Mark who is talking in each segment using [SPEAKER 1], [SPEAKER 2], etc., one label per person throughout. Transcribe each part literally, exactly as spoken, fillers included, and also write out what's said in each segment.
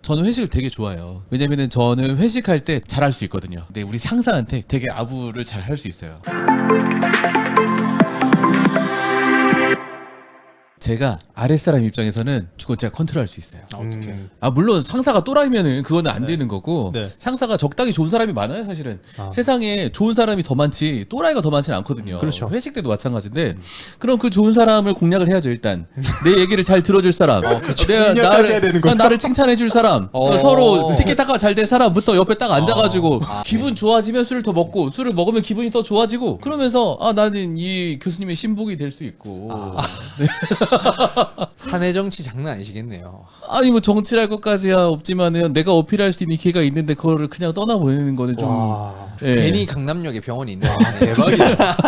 [SPEAKER 1] 저는 회식을 되게 좋아해요. 왜냐면은 저는 회식할 때 잘할 수 있거든요. 근데 우리 상사한테 되게 아부를 잘 할 수 있어요. 제가 아랫사람 입장에서는 그건 제가 컨트롤할 수 있어요.
[SPEAKER 2] 아, 어떻게?
[SPEAKER 3] 음.
[SPEAKER 1] 아 물론 상사가 또라이면은 그거는 안 되는 거고
[SPEAKER 3] 네.
[SPEAKER 1] 상사가 적당히 좋은 사람이 많아요 사실은.
[SPEAKER 3] 아.
[SPEAKER 1] 세상에 좋은 사람이 더 많지 또라이가 더 많지는 않거든요.
[SPEAKER 3] 그렇죠.
[SPEAKER 1] 회식 때도 마찬가지인데 그럼 그 좋은 사람을 공략을 해야죠 일단. 내 얘기를 잘 들어줄 사람,
[SPEAKER 3] 어, 그렇죠.
[SPEAKER 1] 내가
[SPEAKER 3] 공략까지 해야 되는
[SPEAKER 1] 나를,
[SPEAKER 3] 거죠.
[SPEAKER 1] 나를 칭찬해줄 사람,
[SPEAKER 2] 어.
[SPEAKER 1] 서로 티켓타카 잘 될 사람부터 옆에 딱 앉아가지고
[SPEAKER 2] 아,
[SPEAKER 1] 기분 좋아지면 술을 더 먹고 술을 먹으면 기분이 더 좋아지고 그러면서 아 나는 이 교수님의 신복이 될 수 있고.
[SPEAKER 2] 사내 정치 장난 아니시겠네요.
[SPEAKER 1] 아니 뭐 정치랄 것까지야 없지만은 내가 어필할 수 있는 기회가 있는데 그거를 그냥 떠나보내는 거는 좀
[SPEAKER 3] 와.
[SPEAKER 1] 예.
[SPEAKER 2] 괜히 강남역에 병원이 있네.
[SPEAKER 3] 대박이다.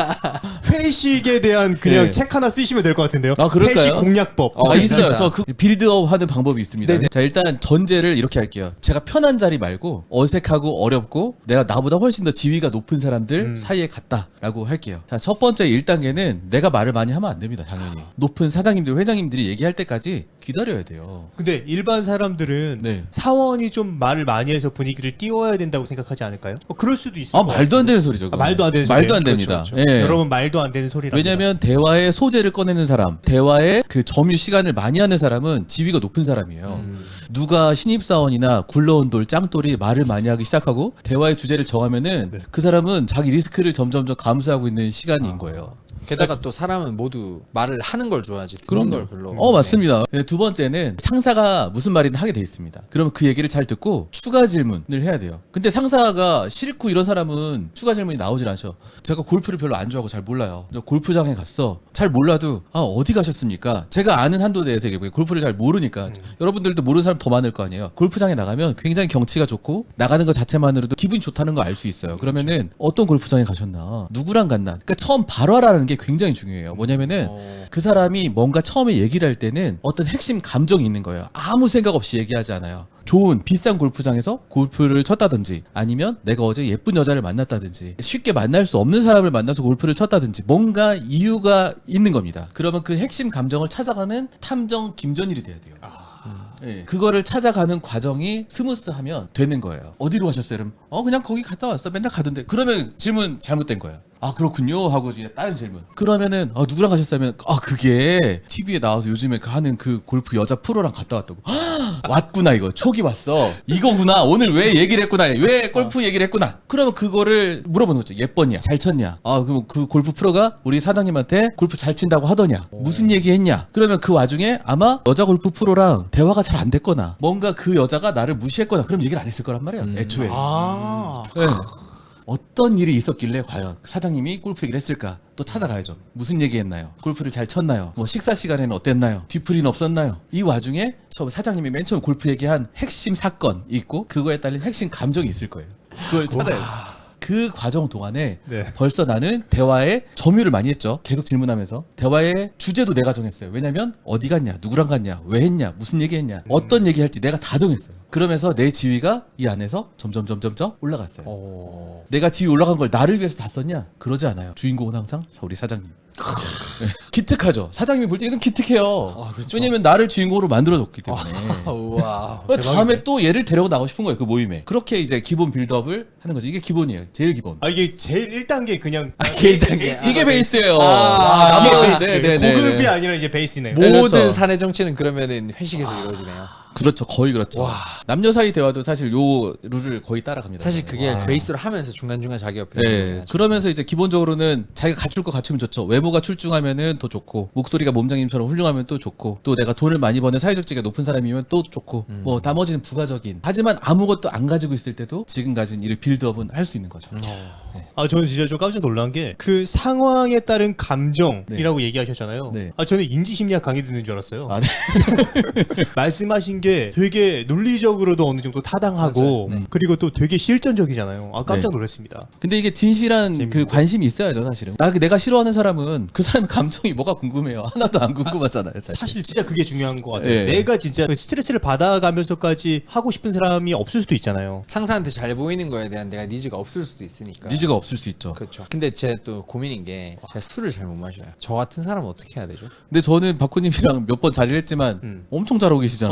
[SPEAKER 3] 회식에 대한 그냥
[SPEAKER 1] 네.
[SPEAKER 3] 책 하나 쓰시면 될 것 같은데요.
[SPEAKER 1] 아, 그럴까요?
[SPEAKER 3] 회식 공략법.
[SPEAKER 1] 아,
[SPEAKER 2] 어,
[SPEAKER 1] 있어요.
[SPEAKER 2] 괜찮다.
[SPEAKER 1] 저 그 빌드업 하는 방법이 있습니다.
[SPEAKER 2] 네네.
[SPEAKER 1] 자, 일단 전제를 이렇게 할게요. 제가 편한 자리 말고 어색하고 어렵고 내가 나보다 훨씬 더 지위가 높은 사람들
[SPEAKER 3] 음.
[SPEAKER 1] 사이에 갔다라고 할게요. 자, 첫 번째 일 단계는 내가 말을 많이 하면 안 됩니다. 당연히. 높은 사장님들, 회장님들이 얘기할 때까지 기다려야 돼요.
[SPEAKER 3] 근데 일반 사람들은
[SPEAKER 1] 네.
[SPEAKER 3] 사원이 좀 말을 많이 해서 분위기를 띄워야 된다고 생각하지 않을까요? 어, 그럴 수도 있어요.
[SPEAKER 1] 아, 말도 안 되는 소리죠.
[SPEAKER 3] 아,
[SPEAKER 1] 그건.
[SPEAKER 3] 말도 안 되는
[SPEAKER 1] 말도
[SPEAKER 3] 소리예요?
[SPEAKER 1] 안 됩니다.
[SPEAKER 3] 그렇죠, 그렇죠.
[SPEAKER 1] 예.
[SPEAKER 3] 여러분 말도 안 되는 소리랍니다.
[SPEAKER 1] 왜냐면 대화의 소재를 꺼내는 사람, 대화의 그 점유 시간을 많이 하는 사람은 지위가 높은 사람이에요.
[SPEAKER 2] 음.
[SPEAKER 1] 누가 신입사원이나 굴러온 돌, 짱돌이 말을 많이 하기 시작하고 대화의 주제를 정하면은
[SPEAKER 3] 네.
[SPEAKER 1] 그 사람은 자기 리스크를 점점점 감수하고 있는 시간인 거예요.
[SPEAKER 2] 게다가 또 사람은 모두 말을 하는 걸 좋아하지 듣는 걸 별로.
[SPEAKER 1] 어 맞습니다. 네, 두 번째는 상사가 무슨 말이든 하게 돼 있습니다. 그러면 그 얘기를 잘 듣고 추가 질문을 해야 돼요. 근데 상사가 싫고 이런 사람은 추가 질문이 나오질 않죠. 제가 골프를 별로 안 좋아하고 잘 몰라요. 저 골프장에 갔어. 잘 몰라도 아 어디 가셨습니까? 제가 아는 한도 내에서 얘기해요. 골프를 잘 모르니까 여러분들도 모르는 사람 더 많을 거 아니에요. 골프장에 나가면 굉장히 경치가 좋고 나가는 것 자체만으로도 기분이 좋다는 거 알 수 있어요. 그러면은 어떤 골프장에 가셨나? 누구랑 갔나? 그러니까 처음 발화라는 게 굉장히 중요해요. 뭐냐면은
[SPEAKER 2] 어.
[SPEAKER 1] 그 사람이 뭔가 처음에 얘기를 할 때는 어떤 핵심 감정이 있는 거예요. 아무 생각 없이 얘기하지 않아요. 좋은 비싼 골프장에서 골프를 쳤다든지 아니면 내가 어제 예쁜 여자를 만났다든지 쉽게 만날 수 없는 사람을 만나서 골프를 쳤다든지 뭔가 이유가 있는 겁니다. 그러면 그 핵심 감정을 찾아가는 탐정 김전일이 돼야 돼요. 예. 그거를 찾아가는 과정이 스무스하면 되는 거예요. 어디로 가셨어요? 그럼 어 그냥 거기 갔다 왔어. 맨날 가던데. 그러면 질문 잘못된 거예요. 아 그렇군요 하고 이제 다른 질문. 그러면은 아 누구랑 가셨어요? 아 그게 티비에 나와서 요즘에 그 하는 그 골프 여자 프로랑 갔다 왔다고. 왔구나 이거 촉이 왔어. 이거구나. 오늘 왜 얘기를 했구나. 왜 골프 얘기를 했구나. 그러면 그거를 물어보는 거죠. 예뻤냐? 잘 쳤냐? 아 그럼 그 골프 프로가 우리 사장님한테 골프 잘 친다고 하더냐? 무슨 얘기했냐? 그러면 그 와중에 아마 여자 골프 프로랑 대화가 잘 안 됐거나 뭔가 그 여자가 나를 무시했거나 그럼 얘기를 안 했을 거란 말이야.
[SPEAKER 2] 음.
[SPEAKER 1] 애초에.
[SPEAKER 2] 아.
[SPEAKER 1] 네. 어떤 일이 있었길래 과연 사장님이 골프 얘기를 했을까? 또 찾아가야죠. 무슨 얘기했나요? 골프를 잘 쳤나요? 뭐 식사 시간에는 어땠나요? 뒤풀이는 없었나요? 이 와중에 처음 사장님이 맨 처음 골프 얘기한 핵심 사건이 있고 그거에 따른 핵심 감정이 있을 거예요. 그걸 찾아야 돼요. 그 과정 동안에
[SPEAKER 3] 네.
[SPEAKER 1] 벌써 나는 대화에 점유를 많이 했죠. 계속 질문하면서 대화의 주제도 내가 정했어요. 왜냐면 어디 갔냐, 누구랑 갔냐, 왜 했냐, 무슨 얘기했냐, 어떤 얘기할지 내가 다 정했어요. 그러면서 내 지위가 이 안에서 점점 점점점 올라갔어요.
[SPEAKER 2] 어.
[SPEAKER 1] 내가 지위 올라간 걸 나를 위해서 다 썼냐? 그러지 않아요. 주인공은 항상 우리 사장님. 네. 기특하죠. 사장님이 볼 때 이건 기특해요.
[SPEAKER 2] 아, 그렇죠.
[SPEAKER 1] 왜냐면 나를 주인공으로 만들어줬기 때문에.
[SPEAKER 2] 우와.
[SPEAKER 1] 다음에 또 얘를 데려고 나가고 싶은 거예요. 그 모임에. 그렇게 이제 기본 빌드업을 하는 거죠. 이게 기본이에요. 제일 기본.
[SPEAKER 3] 아 이게 제일 일 단계 그냥
[SPEAKER 2] 일 단계.
[SPEAKER 1] 이게 베이스예요.
[SPEAKER 2] 아,
[SPEAKER 1] 나머지-
[SPEAKER 3] 이게 베이스.
[SPEAKER 1] 네, 네, 네,
[SPEAKER 3] 고급이
[SPEAKER 1] 네.
[SPEAKER 3] 아니라 이게 베이스네요.
[SPEAKER 1] 네,
[SPEAKER 2] 모든
[SPEAKER 1] 그렇죠.
[SPEAKER 2] 사내 정치는 그러면은 회식에서 이루어지네요.
[SPEAKER 1] 그렇죠. 거의 그렇죠. 남녀 사이 대화도 사실 요 룰을 거의 따라갑니다.
[SPEAKER 2] 사실 그게
[SPEAKER 3] 와.
[SPEAKER 2] 베이스로 하면서 중간중간 자기 옆에
[SPEAKER 1] 네. 그러면서 이제 기본적으로는 자기가 갖출 거 갖추면 좋죠. 외모가 출중하면은 더 좋고, 목소리가 몸장님처럼 훌륭하면 또 좋고, 또 내가 돈을 많이 버는 사회적 지위가 높은 사람이면 또 좋고,
[SPEAKER 2] 음.
[SPEAKER 1] 뭐 나머지는 부가적인. 하지만 아무것도 안 가지고 있을 때도 지금 가진 이 빌드업은 할 수 있는 거죠.
[SPEAKER 2] 음.
[SPEAKER 3] 아 저는 진짜 좀 깜짝 놀란 게 그 상황에 따른 감정이라고 얘기하셨잖아요.
[SPEAKER 1] 네.
[SPEAKER 3] 아 저는 인지심리학 강의 듣는 줄 알았어요.
[SPEAKER 1] 아, 네.
[SPEAKER 3] 말씀하신 게 되게 논리적으로도 어느 정도 타당하고
[SPEAKER 1] 맞아요. 네.
[SPEAKER 3] 그리고 또 되게 실전적이잖아요. 아 깜짝
[SPEAKER 1] 네.
[SPEAKER 3] 놀랐습니다.
[SPEAKER 1] 근데 이게 진실한
[SPEAKER 3] 재밌는데.
[SPEAKER 1] 그 관심이 있어야죠, 사실은. 나 내가 싫어하는 사람은 그 사람의 감정이 뭐가 궁금해요. 하나도 안 궁금하잖아요, 사실.
[SPEAKER 3] 사실 진짜 그게 중요한 것 같아요.
[SPEAKER 1] 네.
[SPEAKER 3] 내가 진짜 그 스트레스를 받아가면서까지 하고 싶은 사람이 없을 수도 있잖아요.
[SPEAKER 2] 상사한테 잘 보이는 거에 대한 내가 니즈가 없을 수도 있으니까.
[SPEAKER 1] 니즈가 없을 수 있죠.
[SPEAKER 2] 그렇죠. 근데 제 또 고민인 게 제가 술을 잘 못 마셔요. 저 같은 사람은 어떻게 해야 되죠?
[SPEAKER 1] 근데 저는 박구님이랑 몇 번 자리를 했지만
[SPEAKER 3] 음.
[SPEAKER 1] 엄청 잘하고 계시잖아요.
[SPEAKER 3] 어, 저는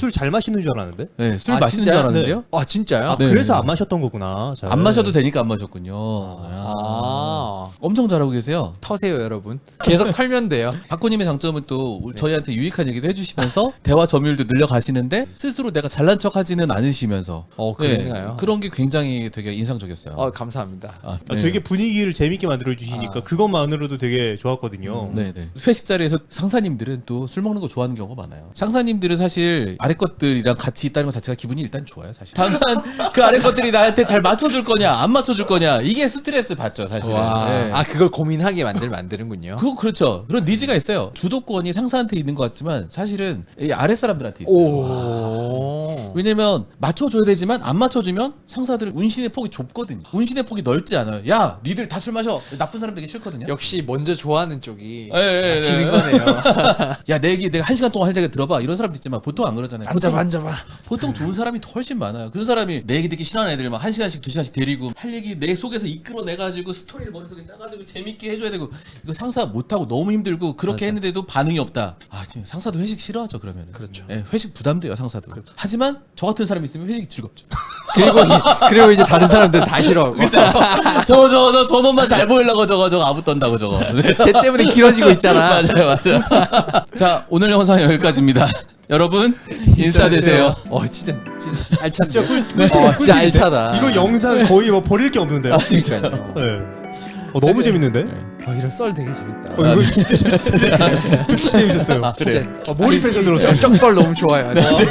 [SPEAKER 3] 술 잘 마시는 줄 알았는데.
[SPEAKER 1] 네, 술
[SPEAKER 2] 아,
[SPEAKER 1] 마시는
[SPEAKER 2] 진짜요?
[SPEAKER 1] 줄 알았는데요.
[SPEAKER 2] 아 진짜요?
[SPEAKER 3] 아,
[SPEAKER 1] 네.
[SPEAKER 3] 그래서 안 마셨던 거구나. 잘.
[SPEAKER 1] 안 마셔도 되니까 안 마셨군요.
[SPEAKER 2] 아
[SPEAKER 1] 엄청 잘하고 계세요.
[SPEAKER 2] 터세요 여러분. 계속 털면 돼요.
[SPEAKER 1] 박고님의 장점은 또 우리 저희한테 유익한 얘기도 해주시면서 대화 점유율도 늘려가시는데 스스로 내가 잘난 척하지는 않으시면서
[SPEAKER 2] 어 그런가요?
[SPEAKER 1] 그런 게 굉장히 되게 인상적이었어요.
[SPEAKER 2] 어 감사합니다.
[SPEAKER 1] 아,
[SPEAKER 3] 아,
[SPEAKER 1] 네.
[SPEAKER 3] 되게 분위기를 재밌게 만들어 주시니까
[SPEAKER 2] 아.
[SPEAKER 3] 그것만으로도 되게 좋았거든요.
[SPEAKER 1] 네네. 회식 자리에서 상사님들은 또 술 먹는 거 좋아하는 경우가 많아요. 상사님들은 사실 아래 것들이랑 같이 있다는 것 자체가 기분이 일단 좋아요, 사실. 다만 그 아래 것들이 나한테 잘 맞춰줄 거냐, 안 맞춰줄 거냐, 이게 스트레스 받죠, 사실은.
[SPEAKER 2] 와.
[SPEAKER 1] 네.
[SPEAKER 2] 아 그걸 고민하게 만들 만드는군요.
[SPEAKER 1] 그거 그렇죠. 그런 니즈가 있어요. 주도권이 상사한테 있는 것 같지만 사실은 이 아래 사람들한테 있어요.
[SPEAKER 2] 오.
[SPEAKER 1] 왜냐면 맞춰줘야 되지만 안 맞춰주면 상사들은 운신의 폭이 좁거든요. 운신의 폭이 넓지 않아요. 야, 니들 다 술 마셔. 나쁜 사람 되기 싫거든요.
[SPEAKER 2] 역시 먼저 좋아하는 쪽이
[SPEAKER 1] 예, 예, 예.
[SPEAKER 2] 지는 거네요.
[SPEAKER 1] 야, 내 얘기 내가 한 시간 동안 할 얘기 들어봐. 이런 사람도 있지만 보통 안 그러잖아요.
[SPEAKER 2] 앉아봐
[SPEAKER 1] 보통,
[SPEAKER 2] 앉아봐.
[SPEAKER 1] 보통 좋은 사람이 훨씬 많아요. 그런 사람이 내 얘기 듣기 싫어하는 애들 막 한 시간씩 두 시간씩 데리고 할 얘기 내 속에서 이끌어내가지고 스토리를 머릿속에 짜가지고 재밌게 해줘야 되고 이거 상사 못하고 너무 힘들고 그렇게
[SPEAKER 2] 맞아.
[SPEAKER 1] 했는데도 반응이 없다. 아, 지금 상사도 회식 싫어하죠 그러면.
[SPEAKER 2] 그렇죠.
[SPEAKER 1] 예, 회식 부담돼요 상사도. 하지만 저 같은 사람이 있으면 회식이 즐겁죠.
[SPEAKER 2] 그리고 이, 그리고 이제 다른 사람들 다 싫어하고.
[SPEAKER 1] 저 저 저 저놈만 잘 보이려고 저거 저거 아부 떤다고 저거. 네.
[SPEAKER 2] 쟤 때문에 길어지고 있잖아.
[SPEAKER 1] 맞아요, 맞아요. 자, 오늘 영상 여기까지입니다. 여러분 인싸 되세요.
[SPEAKER 2] 어 진짜 진짜 알찬데.
[SPEAKER 3] 진짜 꿀,
[SPEAKER 2] 어 진짜 알차다.
[SPEAKER 3] 이거 영상 거의 뭐 버릴 게 없는데요.
[SPEAKER 2] 그러니까요.
[SPEAKER 3] 네. 어, 너무 재밌는데?
[SPEAKER 2] 어 이런 썰 되게 재밌다.
[SPEAKER 3] 어, 이거 진짜, 진짜, 진짜 재밌었어요.
[SPEAKER 1] 그래.
[SPEAKER 3] 아, 몰입해서 들었어요.
[SPEAKER 2] 쩍벌 너무 좋아요.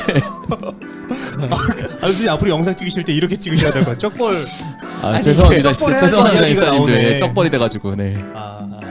[SPEAKER 3] 아, 선생님 앞으로 영상 찍으실 때 이렇게 찍으셔야 될 것 같아요. 쩍벌.
[SPEAKER 1] 아,
[SPEAKER 3] 아니,
[SPEAKER 1] 죄송합니다.
[SPEAKER 3] 이게
[SPEAKER 1] 진짜
[SPEAKER 3] 쩍벌해서
[SPEAKER 1] 죄송합니다
[SPEAKER 3] 이야기가
[SPEAKER 1] 인싸님들.
[SPEAKER 3] 나오네.
[SPEAKER 1] 쩍벌이 돼가지고 네.
[SPEAKER 3] 아.